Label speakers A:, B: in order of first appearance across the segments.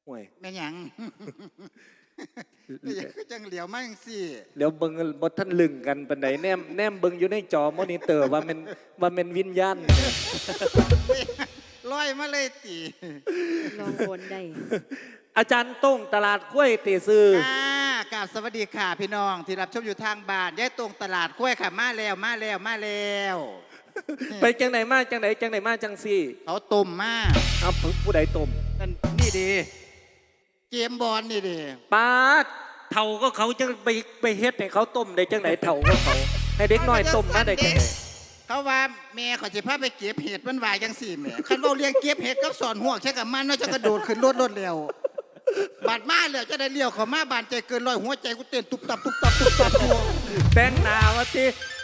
A: ห่วย
B: แม่หยังก็จังเหลียวมาจังซี่
A: เดี๋ยวเบิ่งบ่ทันลึงกันปานใดแนมเบิ่งอยู่ในจอมอนิเตอร์ว่ามันวิญญาณ
B: ลอยมาเลยติ
C: ลองโอนได้
A: อาจารย์ต้งตลาดกล้วยตีซื้อก
B: ราบสวัสดีค่ะพี่น้องที่รับชมอยู่ทางบ้านยายตรงตลาดกล้วยค่ะมาแล้ว
A: ไปจังไหนมาจังซี่
B: เขาต้มมา
A: เอาผู้ใดต้ม
B: นั่นนี่ดีเกมบอลนี่ดี
A: ปาดเฒ่าก็เขาจังไปเฮ็ดให้เขาต้มได้จังไหนเฒ่าก็เขาให้เด็กน้อยต้มมาได้จังไหน
B: เขาว่าแม่เขาจะพาไปเก็บเห็ดมันวายจังสี่แม่คันว่าเลี้ยงเก็บเห็ดกับสอนห่วงใช่กับมันว่าจะกระโดดขึ้นรถเร็วบาดมาแล้วจะได้เลี้ยวเขามาบานใจเกินร้อยหัวใจกูเต้นตุบตับหัว
A: แต่งหน้าวะติ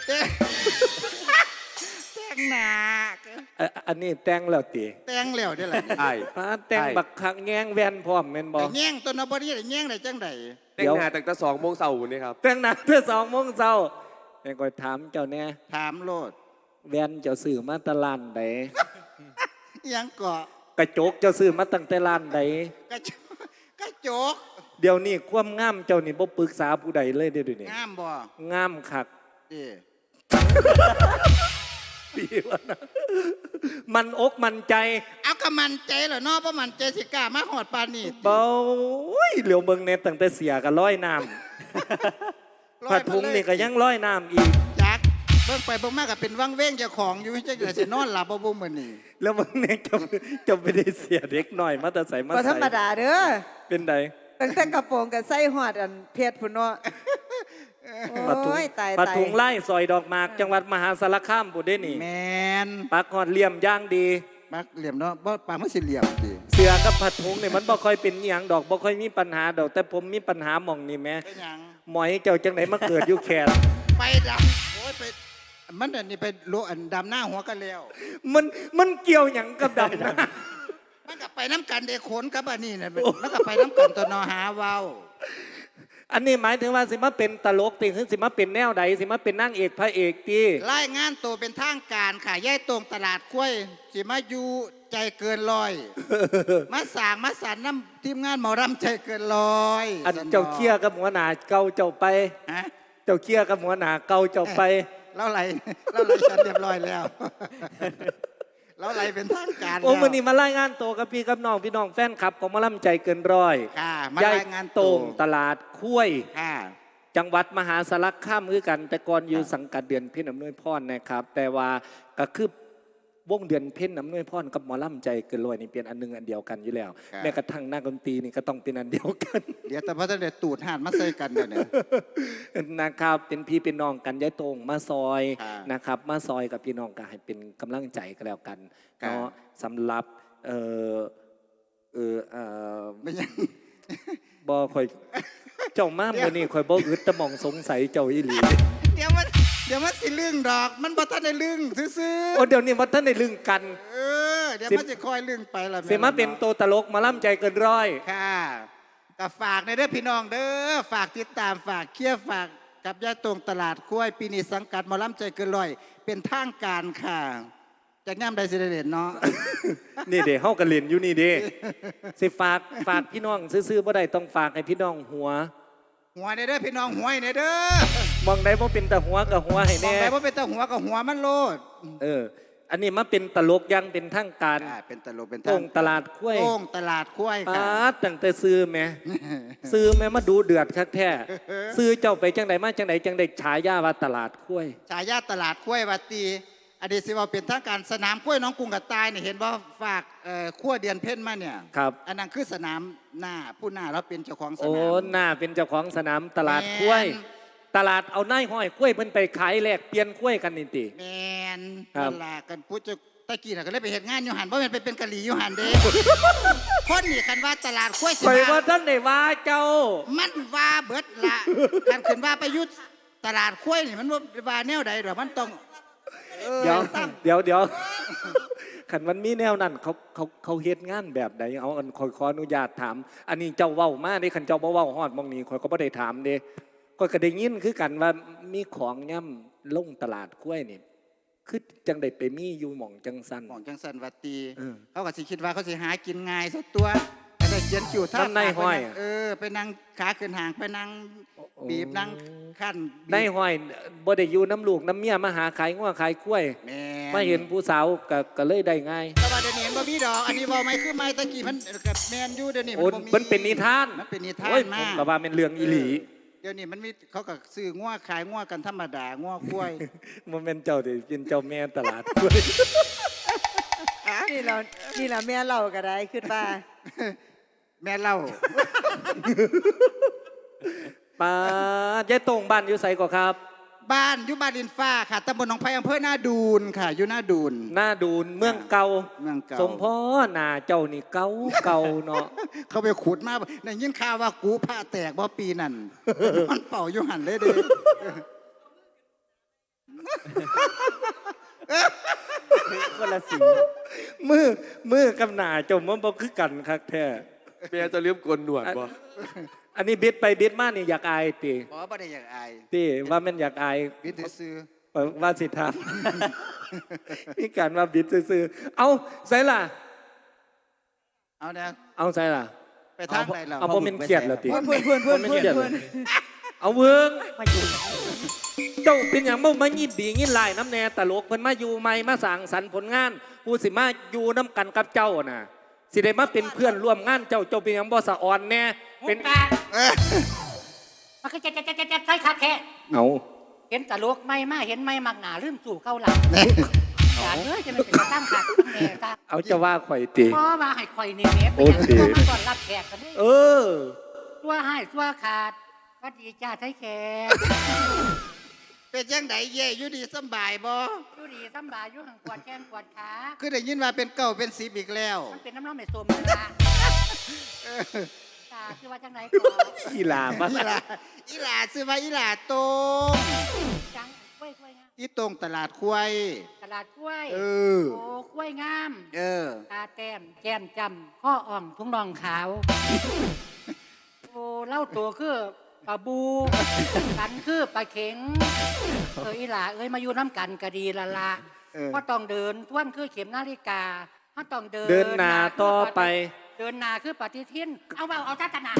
B: แต่งหน้า
A: อันนี้แต่งแล้วติ
B: แต่งแล้วเด้อล่ะ
D: ไอ้
A: ปาดแต่งบักคักแงงแว่นพร้อมแม่นบ่
B: แต่แง่งตัวนบดีแต่แง่งได้จังได
D: แต่งหน้าตั้งแต่2 โมงเช้านี่ครับ
A: แต่งหน้าเพื่อ2 โมงเช้าแม่ก็ถามเจ้าแน่
B: ถามโลด
A: แว่นเจ้าซื้อมาแตะลานใด
B: ยังเกาะ
A: กระจกเจ้าซื้อมาตั้งแต่ร้านใด
B: กระจก
A: เดี๋ยวนี้ความงามเจ้านี่บ่ปรึกษาผู้ใดเลยเดี๋ยวนี้
B: งามบ่
A: งามคัก
B: ดิ
A: ดีวะนะมันอกมันใจ
B: เอากระมันใจเหรอเนาะเพราะมันใจสิกล้ามาหอดปานนี่
A: เบาเหลียวเบิ่งเน็ตตั้งแต่เสียก็ร้อยน้ำผัดพุงนี่ก็ยังร้อยน้ำอีก
B: จักเบิ่งไปเบิ่งมาก็เป็นวังเว้งเจ้าของอยู่จังได๋สินอนหลับบ่บ่มื้อนี้
A: แล้วเบิ่งเน็ตจะไม่ได้เสียเด็กหน่อยมาแต่ใส่มา
E: บ่ธร
A: ใส่
E: รมดาเด้อ
A: เป็นได
E: ตั้งแต่กระโปรงกับไส้หอดอันเพชรพุ่นเนาะ
A: ผัดถุง
E: โอ้ยตาย
A: ผัด
E: ตาย
A: ถุงไล่ซอยดอกหมากจังหวัดมหาสารคามผู้ได้นี่
B: แมน
A: ปักหอดเหลี่ยมย่างดี
B: ปักเหลี่ยมเนาะบ่ปากมันสิเหลี่ยมติ
A: เสือกับผัดถุงนี่มันบ่ค่อยเป็นอหย่างดอกบ่ค่อยมีปัญหาดอกแต่ผมมีปัญหาหม่องนี่แหม่
B: เป็นหยัง
A: หมอยเจ้าจังไหนมาเกิดอยู่แขน
B: ไปดำโอ้ยไปมันอันนี้ไปโลอันดำหน้าหัวกันแล้ว
A: มันเกี่ยวหยังกับดำนะ
B: มันก็ไปน้ำกันเด้ขนกับอันนี้น่ะมันก็ไปน้ำกันตัวนอหาเว้า
A: อันนี้หมายถึงว่าสิมาเป็นตลกติคือสิมาเป็นแนวใดสิมาเป็นนางเอกพระเอกตี
B: รายงานตัวเป็นทางการค่ะยายตรงตลาดกล้วยสิมาอยู่ใจเกินร้อย มาสร้างมาสรรน้ำทีมงานหมอรำใจเกินร้อย
A: อันเจ้าเคี้ยกับหัวหน้าเก่าเจ้าไป
B: ฮะ
A: เจ้าเคี้ยกับหัวหน้าเก่าเจ้าไป
B: เราไหลฉันเรียบร้อยแล้ว เราไหลเป็นทางการ
A: โอ้
B: แล้ว
A: มื้อนี้มารายงานตัวกับพี่กับน้องพี่น้องแฟนคลับของหมอลำใจเกินร้อย
B: ค่ะมารายงาน
A: โต
B: ตัว
A: งตลาดคุ้ย
B: ค่ะ
A: จังหวัดมหาสารคามคือกัน แต่ก่อนอยู่สังกัดเดือนเพ็ญอำนวยพรนะครับ แต่ว่าก็คือวงเดือนเพ็ญอำนวยพรกับหมอลำใจเกินร้อยนี่เป็นอันหนึงอันเดียวกันอยู่แล้วแม้กระทั่งนักดนตรีนี่ก็ต้องเป็นอันเดียวกัน
B: เดี๋ยวแต่พระท่านเดตูดหาดมาใส่กันเดี๋ยวนี้
A: นะครับเป็นพี่เป็นน้องกันยายตรงมาซอย
B: ค่ะ
A: นะครับ มาซอยกับพี่น้องก็ให้เป็นกำลังใจกันแล้วกัน
B: ค่ะ
A: เนาะสำหรับเออเออเออ
B: ไม่ยัง
A: บอคอยเจ้ามาเมื่อนี้คอยบออึดแตะมองสงสัยเจ้าอีหลี
B: เดี๋ยวมันสิลึงดอก มันบ่ทันได้ลึงซื่อ
A: โอ้เดี๋ยวนี้วัดท่านในลึงกัน
B: ๆเดี๋ยวมันจะคอยลึงไปละ
A: เสมาเป็นตัวตลกมาล่ำใจเกินร้อย
B: ค่ะก็ฝากในเด้อพี่น้องเด้อฝากติดตามฝากเคียร์ฝากกับยายตรงตลาดกล้วยปีนี้สังกัดหมอลำใจเกินร้อย เป็นทางการค่ะจากย่ำใดสิได้เด่นเนาะ
A: นี่เด้เฮากันเล่นอยู่นี่เด้สิฝากพี่น้องซื้อๆบ่ได้ต้องฝากให้พี่น้องหัว
B: หัวในเด้อพี่น้องหัวในเด้อ
A: มองได้บ่เป็นแต่หัวกับหัวให้
B: มอง
A: แน่
B: ไปว่าเป็นตาหัวกับหัวมันโลด
A: อันนี้มาเป็นตลกอยังเป็นทางการ
B: เป็นตลกเป็น
A: โต้งตลาดคุ้ย
B: โต้งตลาดกล้วย
A: ปา
B: ค่ะ
A: ดตั้งแต่ซื้อแหม่ ซื้อแม่มาดูเดือดคักแท้ซื้อเจ้าไปจังใดมาจังใดจังใดฉายาว่าตลาดคุ้ย
B: ฉายาตลาดกล้วยวัดตีอดีตสิว่าเป็นทางการสนามกล้วยน้องกรุงกับตายเนี่ยเห็นว่าฝากขั้วเดือนเพ่นมาเนี่ย
A: ครับ
B: อันนั้นคือสนามหน้าผู้หน้าเราเป็นเจ้าของส
A: โอ้
B: นาม
A: หน้าเป็นเจ้าของสนามตลาดคุ้ย
B: แม่น
A: ตลาดเอานายห้อยคุ้ยเพิ่นไปขายแลกเปลี่ยนคุ้ยกันนี่ติ
B: แมน
A: ครับ
B: นั่นล่ะกันพูดจะตะกี้น่ะก็เลยไปเห็นงานอยู่หันเพราะมันไปเป็นกะหรี่อยู่หันเด้ คนนี่คันว่าตลาดกล้วยสิ
A: ข่อย
B: มา
A: ว่าท่านได้ว่าเจ้า
B: มันว่าเบิดละการขึ้นว่าประยุทธ์ตลาดกล้วยนี่มันว่าแนวใดหรอมันต้อง
A: เดี๋ยว ขันมันมีแนวนั้นเขาเฮ็ดงานแบบใดเอาอันขออนุญาตถาม อันนี้เจ้าเว้ามาเด้ขันเจ้าบ่เว้าฮอดหมองนี้ข่อยก็บ่ได้ถามเด้ข่อยก็ได้ยินคือกันว่ามีของย่ำลงตลาดกล้วยนี่คือจังได้ไปมีอยู่หม่องจังซั่น
B: หมองจังสันวัดตี
A: เออ
B: เขาก็สิคิดว่าเขาสิหากินง่ายสักตัวก็ได้เขียนคิวท่า
A: น้ำในห้อย
B: ไปนั่งขาขึ้นห่างไปนั่งบีบนั่งขั้นบีบ
A: ในห้อยบ่ได้อยู่น้ำลูกน้ำเมียมาหาขายงัวขายกล้วย
B: แม่
A: มาเห็นผู้สาวก็เลยได้ง่าย
B: แต่ว่าเดี๋ยวนี้เห็นบ่มีดอก อันนี้เว้าไม่คือไม่ตะกี้มันกับแมนอยู่เดี๋ยวนี้
A: โอ้
B: บ่มี
A: มันเป็นนิทาน
B: มันเป็นนิทาน
A: โอ้ยผม
B: าม ก
A: ก็ว่าเป็นเรื่องอีหลี
B: เดี๋ยวนี้มันมีเขาก็ซื้องัวขายงัวกันธรรมดางัวกล้วย
A: มันเป็นเจ้าเดี๋ยวเป็นเจ้าแม่ตลาดกล้วย
E: นี่เรานี่เราแม่เราก็ได้ขึ้นมา
B: แม่เล่า
A: ป้าเจ๊ตรงบ้านอยู่ไสก็ครับ
B: บ้านอยู่บ้านดินฟ้าค่ะตำบลหนองไผ่อำเภอหน้าดูนค่ะ อยู่หน้าดูน
A: หน้าดูนเมืองเก่า
B: เมืองเก่า
A: สมพ่อหน้าเจ้านี่เก่าเก่าเนาะ
B: เขาไปขุดมาในยินข่าวว่ากูผ้าแตกบ่ปีนั่น มันเป่าอยู่หันเลยเด้
F: คนละสี
A: มือกับหน้าเจ้ามันบ่คือกันคักแท้
D: เมียจะเลี้ยมโกนหนวดบ่
A: อันนี้บิดไปบิดมานี่อยากอายติ
B: บ่ได้อยากอาย
A: ติว่ามันอยากอาย
B: วิทย์ซื้อ
A: ว่าสิทาม มีการว่าบิดซื่อๆเอาใส่ล่ะ
B: เอาเนี่ย
A: เอาใส่ล่ะ
B: ไปทางไหนเรา
A: เอาบ่แม่นเครียดแล้วติ
E: เพื่อนเพื่อนเพื่อน
A: บ่
E: เพื่อน
A: แม่นเครียด
E: เพื่อน
A: เอาเวิง
F: มาอยู่
A: เจ้าเป็นอย่างบ่มายิบดียินลายน้ำแน่ตลกเพิ่นมาอยู่ใหม่มาสร้างสรรค์ผลงาน ผู้สิมาอยู่น้ำกันกับเจ้าน่ะ สิได้มาเป็นเพื่อนร่วมงานเจ้าเป็นอย่างบ่สะอ่อนแน่เป็น
F: ปากมันก็จะใช่คักแค่
A: เอา
F: เห็นตลกไม่มาเห็นไม่มักหนาลืมสู่เก้าหลังอย่าเอ้ยจะมันเป็นตั้งขัดตั้งแน่ตา
A: เอาจะว่าข่อยติ
F: เพราะว่าให้คอยนี่เม็ดไปอย่าง
A: โอเค
F: ตัวมาก่อนรับแขกกันนี่
A: เออ
F: ตัวให้ตัวขาดก็ดีจ้าไทยแขก
B: เป็นจังไดเย่อยู่ดีสำบายบ่
F: อยู่ดีสำบายอยู่ห่างปวดแขนปวดขา
B: คือได้ยินว่าเป็นเก่าเป็นสิบอีกแล้ว
F: มันเป็นน้ำร้อนไม่สมเลยละตาคือว่าจังไหนก่อน
A: อีหลามา
B: อีหลาซื้อว่าอีหลาตรง
F: จังกล้วยงาม
B: อีตรงตลาดควาย
F: ตลาดกล้วย
B: เออ
F: โอ้กล้วยงาม
B: เออ
F: ตาแต้มแก้มจำข้ออ่องทุ่งนองขาว โอ้เล่าตัวคือปลาบูกันคือปลาเข็งอีหล่าเอ้ยมาอยู่น้ำกันก็ดีละละ
B: เออ
F: ก็ต้องเดินท้วนคือเข็มนาฬิกาถ้าต้องเดิน
A: เดินหน้าต่อไป
F: เดินหนาคือปฏิทินเอาเอาจ้าตนา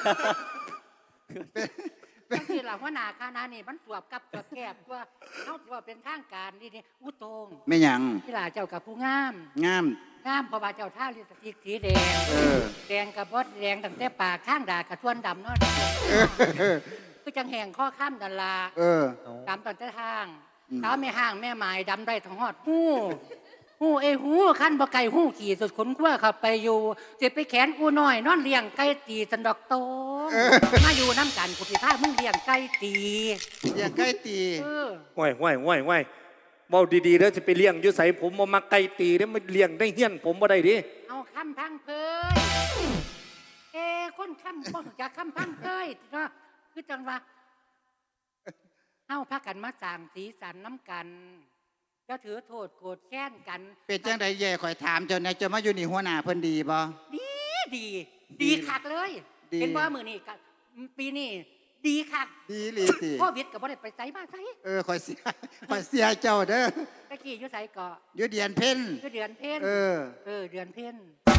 F: ก็คือหลังว่านาคานานี่มันสวบกับสวบแกบว่าเขาถือว่าเป็นทางการนี่อุตง
B: ไม่หยัง
F: อีหล่าเจ้ากับผู้งาม
B: งาม
F: งามเพราะว่าเจ้าท่าลิปสติกสีแดง
B: เออ
F: แดงกับบดแดงตั้งแต่ปากข้างด่ากับทวนดำเนาะคือจังแห่งข้อข้ามดันลา
B: เออ
F: ดำตั้งแต่ทาง
B: อืม
F: เท้าไม่ห่างแม่หมายดำได้ทั้งหอดหู้หู้ขั้นบ่ไก่หู้ขี่สุดขนขั้วเข้าไปอยู่เจ็บไปแขนอูน้อยนอนเลี้ยงไก่ตีสันดอกโตมาอยู่น้ำกันกุฏิภาพมึงเลี้ยงไก่ตี
B: อย่างใกล้ตี
F: เออ
A: ห่วยเว้าดีๆแล้วจะไปเลี้ยงอยู่ไสผมบ่มักไก่ตีเด้อมาเลี้ยงได้เฮี้ยนผมบ่ได้ดิ
F: เอาคำพังเพยคนคำบ่รู้จักคำพังเพยเนาะคือจังว่าเฮาพากันมาสร้างสีสันน้ำกันจะถือโทษโกรธแค้นกัน
B: เป็นจังไดเย่ข่อยถามเจ้าเนี่ยเจะมาอยู่นี่หัวหน้าเพิ่นดีบ่
F: ดีคักเลย
B: ดี
F: เห็นว่ามือนี่กับปีนี้ดีคัก
B: ดีหลีติ
F: โควิดกับบ่ได้ไปไสมาไส
B: เออข่อยเสีย ข่อยเสียเจ้าเด้อ
F: ตะกี้อยู่ไสเกาะ
B: อยู่เดียนเพ่น
F: อยู่เดือนเพ็ญ
B: เออ
F: เดือนเพ็ญ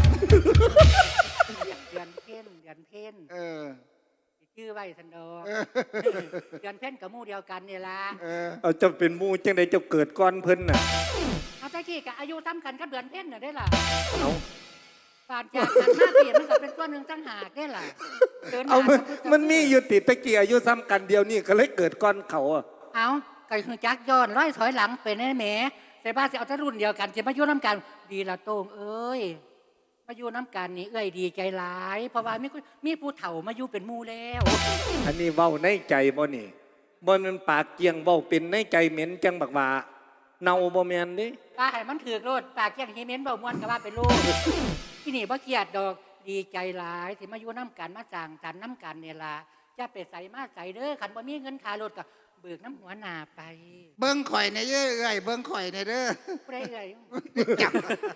F: เดือนเพ็ญ
B: เออ
F: ชื่อไว้สันดอก
B: เออ
F: เดือนเพ็ญกับหมู่เดียวกันนี่ล่ะ
B: เออ
A: เอาเจ้าเป็นหมู่จังไดเจ้าเกิดก่อนเพิ่นน่ะ
F: เอาตะกี้กับอายุซ้ำกันกับเดือนเพ็ญน่ะได้ล่ะ
A: เอา
F: ผ่านจากกัน5 ปีมันก็เป็นตัวหนึ่งตั้งหากได้ล่ะดิหา
A: เอามัน
F: กับ
A: มันมีอยู่ติดตะกี้อายุซ้ำกันเดียวนี่ก็เลยเกิดก่อนเขาอะ
F: เอาไก่คือจักย้อนร้อยถอยหลังเป็นแหมแต่บ้านสิเอาแต่รุ่นเดียวกันจะมาอยู่น้ำกันดีละโต้งเอ้ยมาอยู่น้ำกันนี่เอ้ยดีใจหลาย เพราะว่ามีผู้เฒ่ามาอยู่เป็นหมู่แล้ว
A: อันนี้เว้าในใจบ่นี่บ่แมันปากเกียงเว้าเป็นในใจเหม็นจังบักว่าเน่าบ่แม่นเด้
F: ตาให้มันถือกโลดปากอย่างฮีเมนเบาม้วนกับว่าเป็นลูกที่นี่บ่เกลียดดอกดีใจหลายที่มาอยู่น้ำกันมาจางกันน้ำกันเนี่ยล่ะจะไปใส่มาใส่เด้อขันบ่มีเงินค่ารถก็เบิกน้ำหัวหน้าไป
B: เบิ่งข่อยในเยอะเอ้ยเบิ่งข่อยในเด้อ
F: ผู้ใดเอ่ย
B: จับ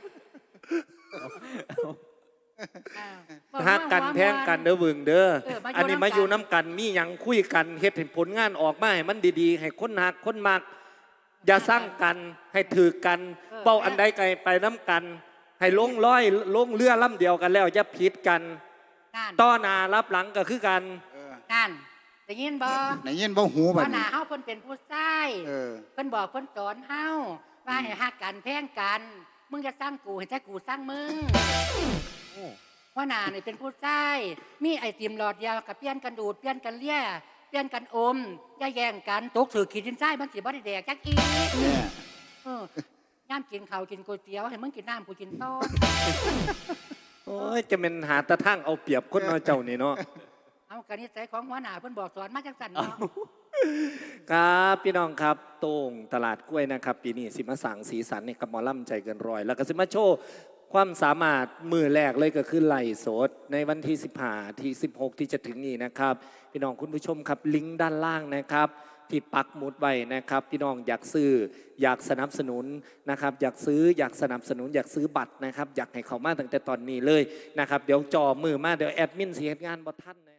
A: ฮักกันแพงกันเด้อเบิ่งเด้อ
F: มาอยู่
A: อันนี้มาอยู่
F: น้ำกัน
A: น้ำกันมีหยังคุยกันเฮ็ดให้ผลงานออกมาให้มันดีๆ ให้คนฮักคนมัก อย่าสร้างกันให้ถือกันเป้าอันใดไกลไปน้ำกันให้ลงร้อยลงเรือลำเดียวกันแล้วจะผิดกัน
F: นั่น
A: ต้อหนารับหลังก็คือกัน
F: นั่นได้ยินบ่
B: ไหนยินบ่หูบั
F: ว่า
B: ด
F: หน้า
B: นี้
F: เฮาเพิ่นเป็นผู้ชาย
B: เออ
F: เพิ่นบอกเพิ่นสอนเฮาว่าให้ฮักกันแพงกัน มึงจะสร้างกูให้แต่กูสร้างมึงว่าหน้านี่เป็นผู้ชายมีไอติมหลอดเดียวกับเปลี่ยนกันดูดเปลี่ยนกันเลี้ยเปลี่ยนกันอมอย่าแย่งกันตกถือขีดดินทรายมันสิบ่ได้แดกจักอี
B: เนี่ย
F: ย่ามกินข้าวกินก๋วยเตี๋ยวให้มึงกินน้ำกูกินต้น
A: โอ้ยจะเป็นหาตะทั้งเอาเปรียบคนน้อยเจ้านี่เนาะ
F: เอากระนิสัยของหัวหน้าเพิ่นบอกสอนมาจังสันเนาะ
A: ครับพี่น้องครับโต่งตลาดกล้วยนะครับ ปีนี้สิมาสั่งสีสันเนี่ยกับหมอลำใจเกินร้อย แล้วก็สิมาโชว์ความสามารถมือแรกเลยก็คือไล่สดในวันที่15ที่16 ที่จะถึงนี้นะครับ พี่น้องคุณผู้ชมครับลิงก์ด้านล่างนะครับ ที่ปักหมุดไว้นะครับ พี่น้องอยากซื้ออยากสนับสนุนนะครับ อยากซื้ออยากสนับสนุนอยากซื้อบัตรนะครับ อยากให้เขามาตั้งแต่ตอนนี้เลยนะครับ เดี๋ยวจอมือมาเดี๋ยวแอดมินเสียงานบ่ทันนะ